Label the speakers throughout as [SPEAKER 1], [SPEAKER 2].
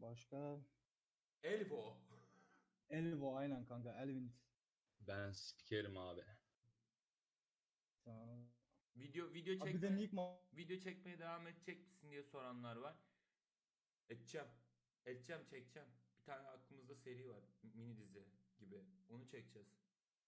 [SPEAKER 1] Başka?
[SPEAKER 2] Elvo.
[SPEAKER 1] Elvo aynen kanka. Elvin.
[SPEAKER 3] Ben spikerim abi.
[SPEAKER 1] Tamam.
[SPEAKER 2] Video
[SPEAKER 1] Abi bir de Nigma.
[SPEAKER 2] video çekmeye devam edecek misin diye soranlar var. Edeceğim. Edeceğim, çekeceğim. Bir tane aklımızda seri var. Mini dizi gibi. Onu çekeceğiz.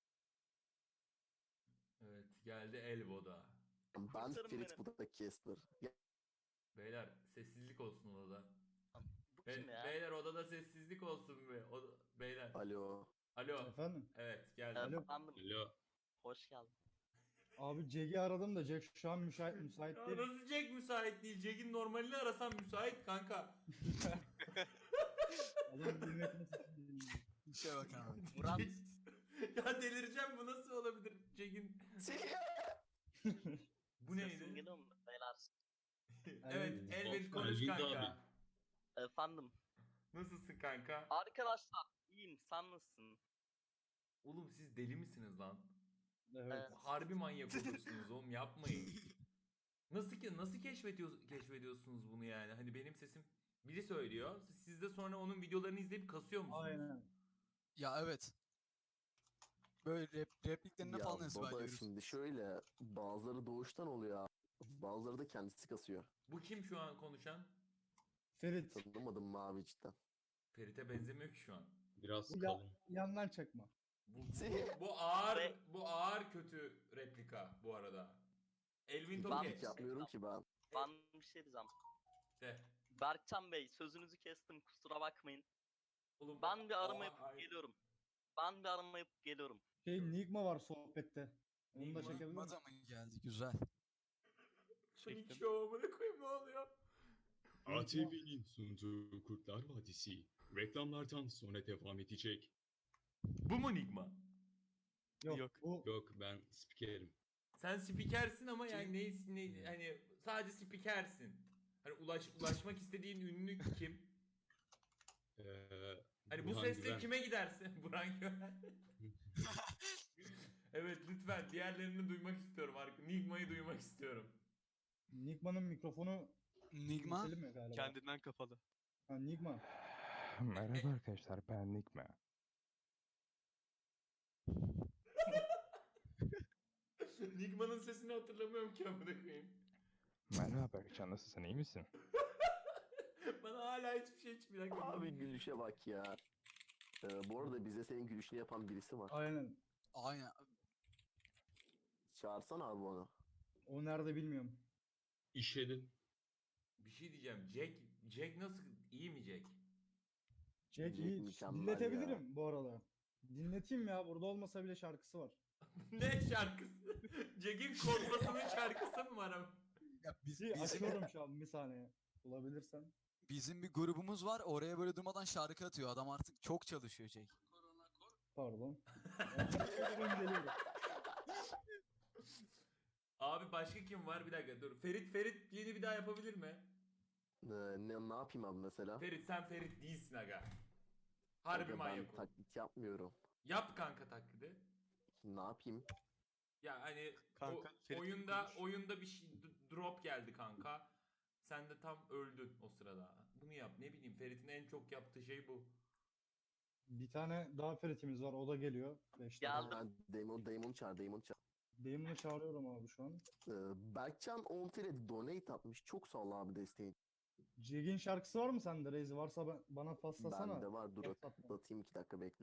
[SPEAKER 2] Evet, geldi Elvo'da.
[SPEAKER 4] Ben
[SPEAKER 5] Kurtarın
[SPEAKER 4] Ferit,
[SPEAKER 5] beni.
[SPEAKER 4] bu da Casper.
[SPEAKER 2] Beyler sessizlik olsun odada.
[SPEAKER 5] Bu kim ya?
[SPEAKER 2] Beyler odada sessizlik olsun be. Beyler.
[SPEAKER 4] Alo.
[SPEAKER 2] Alo.
[SPEAKER 1] Efendim?
[SPEAKER 2] Evet, geldi.
[SPEAKER 1] Alo.
[SPEAKER 5] Efendim,
[SPEAKER 3] Alo.
[SPEAKER 5] hoş geldin.
[SPEAKER 1] Abi Jack'i aradım da Jack şu an müsait
[SPEAKER 2] Ya
[SPEAKER 1] değil.
[SPEAKER 2] nasıl Jack müsait değil? Jack'in normalini arasam müsait kanka.
[SPEAKER 1] Adam bilmek nasıl
[SPEAKER 6] İşe bak abi.
[SPEAKER 5] Murat,
[SPEAKER 2] Ya delireceğim, bu nasıl olabilir Jack'in? Bu
[SPEAKER 5] sesim
[SPEAKER 2] neydi?
[SPEAKER 5] geliyor mu beyler?
[SPEAKER 2] Evet, Elvin konuş
[SPEAKER 3] Elvin
[SPEAKER 2] kanka.
[SPEAKER 3] abi.
[SPEAKER 5] Efendim,
[SPEAKER 2] Nasılsın kanka?
[SPEAKER 5] arkadaşlar iyiyim, sen nasılsın?
[SPEAKER 2] Oğlum siz deli misiniz lan?
[SPEAKER 1] Evet.
[SPEAKER 2] Harbi manyak olursunuz oğlum, yapmayın. Nasıl keşfediyorsunuz bunu yani? Hani benim sesim biri söylüyor. Siz de sonra onun videolarını izleyip kasıyor musunuz?
[SPEAKER 1] Aynen.
[SPEAKER 6] Ya evet. Böyle repliklerine
[SPEAKER 4] Ya
[SPEAKER 6] falan
[SPEAKER 4] baba,
[SPEAKER 6] ezberliyoruz.
[SPEAKER 4] şimdi şöyle, bazıları doğuştan oluyor abi. Bazıları da kendisi kasıyor.
[SPEAKER 2] Bu kim şu an konuşan?
[SPEAKER 1] Ferit.
[SPEAKER 4] Tanımadım mavi cidden.
[SPEAKER 2] Ferit'e benzemiyor ki şu an.
[SPEAKER 3] Biraz
[SPEAKER 1] Bu
[SPEAKER 3] kalın.
[SPEAKER 1] yandan çakma.
[SPEAKER 2] Bu ağır kötü replika bu arada. Elvin
[SPEAKER 5] Ben-
[SPEAKER 2] Toke.
[SPEAKER 4] Hiç yapmıyorum ki ben.
[SPEAKER 5] Ben bir şey diyeceğim.
[SPEAKER 2] De.
[SPEAKER 5] Berkcan Bey, sözünüzü kestim, kusura bakmayın.
[SPEAKER 2] Oğlum,
[SPEAKER 5] Ben bir arama
[SPEAKER 2] Aa,
[SPEAKER 5] yapıp
[SPEAKER 2] ay-
[SPEAKER 5] geliyorum. Ben bir arama yapıp geliyorum.
[SPEAKER 1] Nigma var sohbette. Onu da
[SPEAKER 2] Nigma.
[SPEAKER 1] çekebilir miyim?
[SPEAKER 6] Nigma da mı geldi? Güzel.
[SPEAKER 2] Panik show, amına koyayım, ne oluyor?
[SPEAKER 3] ATV'nin sunduğu Kurtlar Vadisi reklamlardan sonra devam edecek.
[SPEAKER 2] Bu mu Nigma?
[SPEAKER 1] Yok. Bu
[SPEAKER 3] Yok, ben spikerim.
[SPEAKER 2] Sen spikersin ama yani ne hani sadece spikersin. Hani ulaşmak istediğin ünlü kim? Hani bu
[SPEAKER 3] Burhan
[SPEAKER 2] sesle
[SPEAKER 3] Güven.
[SPEAKER 2] kime gidersin? Burhan Güven. Evet, lütfen diğerlerini duymak istiyorum. Nigma'yı duymak istiyorum.
[SPEAKER 1] Nigma'nın mikrofonu
[SPEAKER 6] Nigma.
[SPEAKER 1] keselim mi galiba?
[SPEAKER 7] Kendinden kapalı.
[SPEAKER 1] Ha, Nigma.
[SPEAKER 8] Merhaba arkadaşlar, ben Nigma.
[SPEAKER 2] Nigma'nın sesini hatırlamıyorum ki, amına koyayım.
[SPEAKER 8] Merhaba Berkcan, nasılsın, iyi misin?
[SPEAKER 2] Bana hala hiçbir şey çıkmıyor. Bir dakika.
[SPEAKER 4] Abi gülüşe bak ya. Bu arada bize senin gülüşünü yapan birisi var.
[SPEAKER 1] Aynen.
[SPEAKER 6] Aynen.
[SPEAKER 4] Çağırsana abi onu.
[SPEAKER 1] O nerede bilmiyorum.
[SPEAKER 3] İşedin.
[SPEAKER 2] Bir şey diyeceğim. Jack nasıl? İyi mi Jack?
[SPEAKER 1] Jack
[SPEAKER 4] Jack
[SPEAKER 1] iyi.
[SPEAKER 4] mükemmel
[SPEAKER 1] Dinletebilirim bu arada. Dinleteyim ya. Burada olmasa bile şarkısı var.
[SPEAKER 2] Ne şarkısı? Jack'in korkmasının şarkısı mı var ama?
[SPEAKER 6] Ya
[SPEAKER 1] Bizim... Açıyorum şu an bir saniye. Bulabilirsen.
[SPEAKER 6] bizim bir grubumuz var. Oraya böyle durmadan şarkı atıyor. Adam artık çok çalışıyor Jake.
[SPEAKER 1] Pardon. Geliyorum.
[SPEAKER 2] Abi başka kim var? Bir dakika dur. Ferit'liğini bir daha yapabilir mi?
[SPEAKER 4] Ne yapayım abi mesela?
[SPEAKER 2] Ferit, sen Ferit değilsin aga. Harbi
[SPEAKER 4] Kanka,
[SPEAKER 2] manyak
[SPEAKER 4] ben
[SPEAKER 2] ol.
[SPEAKER 4] taklit yapmıyorum.
[SPEAKER 2] Yap kanka taklidi.
[SPEAKER 4] Ne yapayım?
[SPEAKER 2] Ya hani
[SPEAKER 7] Kanka, Ferit
[SPEAKER 2] oyunda bir şey drop geldi kanka. Sen de tam öldün o sırada. Bunu yap. Ne bileyim, Ferit'in en çok yaptığı şey bu.
[SPEAKER 1] Bir tane daha Ferit'imiz var. O da geliyor. 5
[SPEAKER 5] Geldim.
[SPEAKER 1] dakika.
[SPEAKER 4] Damon çağır.
[SPEAKER 1] Damon'u çağırıyorum abi şu an.
[SPEAKER 4] Berkcan Onfire donate atmış. Çok sağ ol abi desteğin.
[SPEAKER 1] Jack'in şarkısı var mı sende Reis? Varsa bana paslasana.
[SPEAKER 4] Bende var. Dur
[SPEAKER 1] WhatsApp'tan.
[SPEAKER 4] atayım 2 dakika bekle.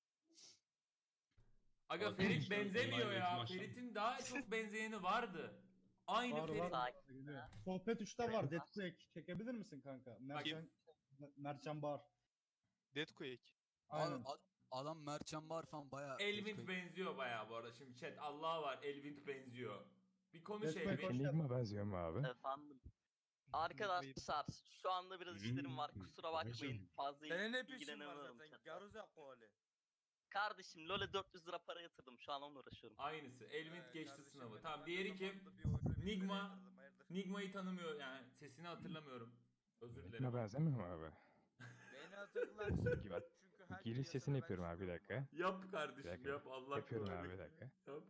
[SPEAKER 2] Aga
[SPEAKER 3] Abi,
[SPEAKER 2] Ferit
[SPEAKER 3] işte
[SPEAKER 2] benzemiyor
[SPEAKER 3] online
[SPEAKER 2] ya.
[SPEAKER 3] maçlar.
[SPEAKER 2] Ferit'in daha çok benzeyeni vardı. Aynı
[SPEAKER 1] Var
[SPEAKER 2] Ferit.
[SPEAKER 1] var.
[SPEAKER 5] Sakin.
[SPEAKER 1] Geliyor. Sohbet 3'te var. Deathquake. Çekebilir misin kanka? Mertcan Bar.
[SPEAKER 7] Deadquake.
[SPEAKER 1] Aynen.
[SPEAKER 6] Adam Mertcan Bar falan bayağı...
[SPEAKER 2] Elvin benziyor bayağı bu arada. Şimdi chat Allah var, Elvin benziyor. Bir konuş
[SPEAKER 1] Deathquake
[SPEAKER 2] Elvin.
[SPEAKER 1] hoş-
[SPEAKER 8] Nigma benziyor mu abi?
[SPEAKER 5] Efendim. Arkadaşlar, şu anda biraz işlerim var, kusura bakmayın. Fazla
[SPEAKER 9] Senin ne peşin var
[SPEAKER 5] ilgilenemiyorum
[SPEAKER 9] zaten?
[SPEAKER 5] chatle.
[SPEAKER 9] Garuza koli.
[SPEAKER 5] Kardeşim, LoL'e 400 lira para yatırdım, şu an onunla uğraşıyorum.
[SPEAKER 2] Aynı Elvin geçti
[SPEAKER 9] Kardeşim
[SPEAKER 2] sınavı.
[SPEAKER 9] benim,
[SPEAKER 2] Tamam,
[SPEAKER 9] ben
[SPEAKER 2] diğeri
[SPEAKER 9] de
[SPEAKER 2] kim?
[SPEAKER 9] zamanında bir oyuna bir
[SPEAKER 2] Nigma.
[SPEAKER 9] lira yatırdım, hayırdır?
[SPEAKER 2] Nigma'yı tanımıyor yani. Sesini hatırlamıyorum. Özür dilerim.
[SPEAKER 8] Nigma benzemiyor mu abi?
[SPEAKER 9] Beni hatırlarsın.
[SPEAKER 8] Peki ben
[SPEAKER 9] Çünkü her
[SPEAKER 8] giriş
[SPEAKER 9] piyasada
[SPEAKER 8] sesini
[SPEAKER 9] ben
[SPEAKER 8] yapıyorum abi, bir
[SPEAKER 9] çıkıyorum
[SPEAKER 8] dakika.
[SPEAKER 2] Yap kardeşim,
[SPEAKER 8] Bir dakika.
[SPEAKER 2] yap. Allah
[SPEAKER 8] Yapıyorum
[SPEAKER 2] kolaylık.
[SPEAKER 8] abi, bir dakika.
[SPEAKER 2] Yap.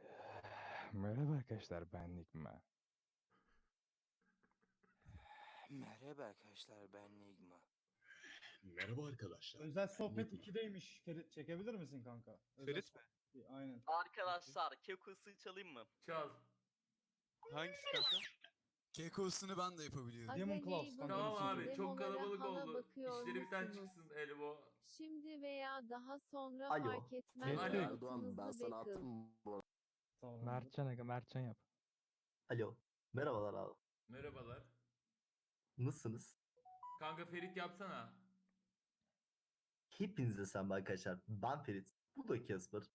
[SPEAKER 8] Merhaba arkadaşlar, ben Nigma.
[SPEAKER 9] Merhaba arkadaşlar, ben Nigma.
[SPEAKER 3] Merhaba arkadaşlar.
[SPEAKER 1] Özel sohbet
[SPEAKER 3] Nigma.
[SPEAKER 1] 2'deymiş. Ferit çekebilir misin kanka? Özel
[SPEAKER 7] Ferit mi?
[SPEAKER 1] sohbet- Aynen.
[SPEAKER 5] Arkadaşlar Keko'su çalayım mı?
[SPEAKER 2] Çal.
[SPEAKER 7] Hangisi kanka?
[SPEAKER 6] Keko'sunu ben de yapabiliyorum.
[SPEAKER 1] Demon Claws kanka.
[SPEAKER 2] Tamam
[SPEAKER 1] bir
[SPEAKER 2] abi
[SPEAKER 1] şey.
[SPEAKER 2] çok kalabalık
[SPEAKER 10] Demolara
[SPEAKER 2] oldu.
[SPEAKER 10] bakıyor
[SPEAKER 2] İşleri biten
[SPEAKER 10] musunuz?
[SPEAKER 2] çıksın Elbo.
[SPEAKER 10] Şimdi veya daha sonra
[SPEAKER 4] Alo.
[SPEAKER 10] fark etmez.
[SPEAKER 2] Alo.
[SPEAKER 4] Erdoğan ben sana
[SPEAKER 10] Bakın.
[SPEAKER 4] attım bu arada.
[SPEAKER 1] Tamam.
[SPEAKER 8] Mertcan aga Mertcan yap.
[SPEAKER 4] Alo. Merhabalar abi.
[SPEAKER 2] Merhabalar.
[SPEAKER 4] Nasılsınız?
[SPEAKER 2] Kanka Ferit yapsana.
[SPEAKER 4] Hepinize selam arkadaşlar. Ben Ferit. Bu da Casper.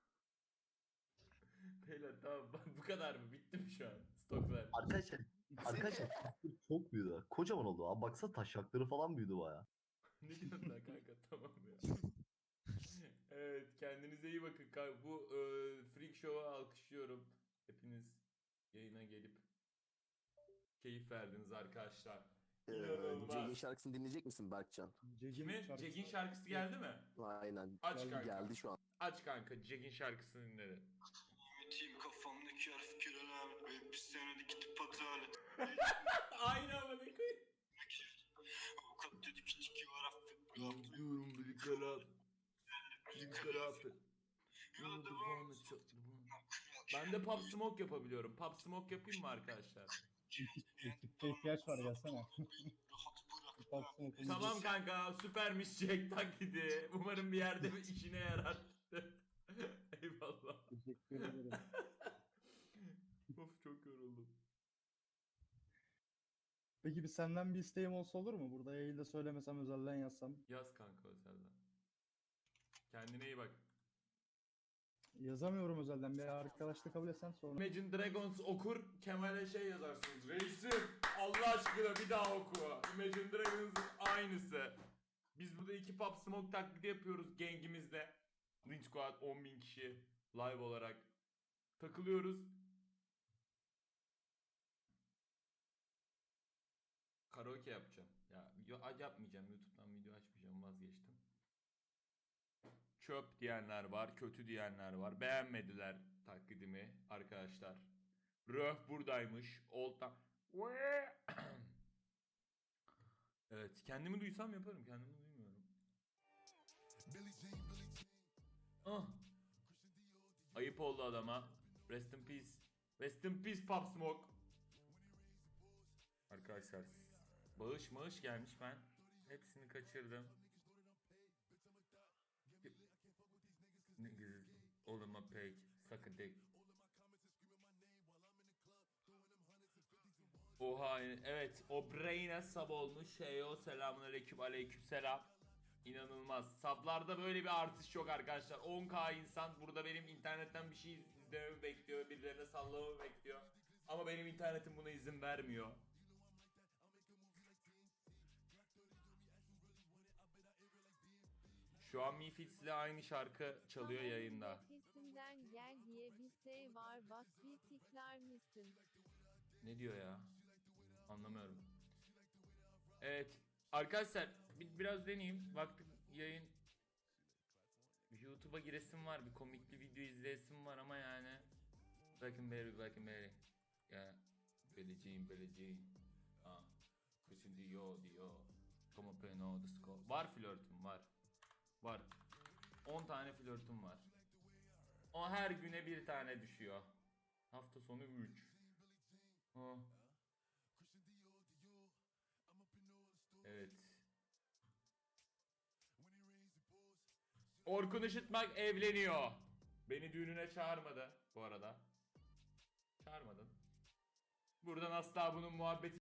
[SPEAKER 2] Beyler tamam bu kadar mı? Bitti mi şu an? Stoklar.
[SPEAKER 4] Arkadaşlar çok büyüdü. Kocaman oldu abi. Baksana taşakları falan büyüdü baya.
[SPEAKER 2] Ne diyorsun lan kanka tamam ya. Evet kendinize iyi bakın. Bu Freak Show'a alkışlıyorum. Hepiniz yayına gelip keyif verdiniz arkadaşlar. İnanılmaz.
[SPEAKER 4] Cegin şarkısını dinleyecek misin Berkcan?
[SPEAKER 2] Kime? Jack'in şarkısı geldi mi?
[SPEAKER 4] Aynen.
[SPEAKER 2] Aç kanka.
[SPEAKER 4] Geldi şu an.
[SPEAKER 2] Aç kanka Jack'in şarkısını dinle.
[SPEAKER 11] Team kafamdaki harf kirelen ve bir senede gidip adalet.
[SPEAKER 2] Aynı ama ne koyayım.
[SPEAKER 11] Avukat dedi ki tiki var affet.
[SPEAKER 2] Yapıyorum bir karar. Bir karar.
[SPEAKER 11] Yola devam et.
[SPEAKER 2] Ben de Pop Smoke yapabiliyorum. Pop Smoke yapayım mı arkadaşlar?
[SPEAKER 1] Ekipte ihtiyaç var gelsene. Baksana,
[SPEAKER 2] Tamam kanka süpermiş Jack taklidi. Umarım bir yerde bir işine yarar. Eyvallah.
[SPEAKER 1] Teşekkür ederim.
[SPEAKER 2] Of çok yoruldum.
[SPEAKER 1] Peki senden bir isteğim olsa olur mu? Burada yayında söylemesem özelden yazsam.
[SPEAKER 2] Yaz kanka özelden. Kendine iyi bak.
[SPEAKER 1] Yazamıyorum özelden. Bir arkadaşlık kabul etsen sonra.
[SPEAKER 2] Imagine Dragons okur Kemal'e şey yazarsınız. Reisim Allah aşkına bir daha oku. Imagine Dragons'ın aynısı. Biz burada iki Pop Smoke taklidi yapıyoruz gengimizle. Lynch Squad 10.000 kişi live olarak. Takılıyoruz. Karaoke yapacağım. Ya yapmayacağım. YouTube'dan video açmayacağım. Vazgeçtim. Çöp diyenler var, kötü diyenler var. Beğenmediler taklidimi arkadaşlar. Röh buradaymış. Evet, kendimi duysam yaparım. Kendimi duymuyorum. Ah. Ayıp oldu adama. Rest in peace. Rest in peace Pop Smoke. Arkadaşlar bağış gelmiş ben. Hepsini kaçırdım. Niggas all in my page, suck a dick. Oha evet o brain'e sub olmuş Şeyo selamünaleyküm aleykümselam. İnanılmaz. Sablarda böyle bir artış yok arkadaşlar. 10k insan burada benim internetten bir şey izlememi bekliyor, birilerine sallamamı bekliyor. Ama benim internetim buna izin vermiyor. Şu an Mifits ile aynı şarkı çalıyor yayında.
[SPEAKER 10] Nefesinden gel diye bir şey var, bak bir tikler misin?
[SPEAKER 2] Ne diyor ya? Anlamıyorum. Evet. Arkadaşlar biraz deneyeyim. Vakti yayın YouTube'a giresim var. Bir komikli video izleyesim var ama yani Black and Berry. Ya Beleceğim. Ah. Kışın diyor. Como peno the score. Var flörtüm var. 10 tane flörtüm var. O her güne bir tane düşüyor. Hafta sonu 3. Evet. Orkun Işıtmak evleniyor. Beni düğününe çağırmadı bu arada. Çağırmadın. Buradan asla bunun muhabbeti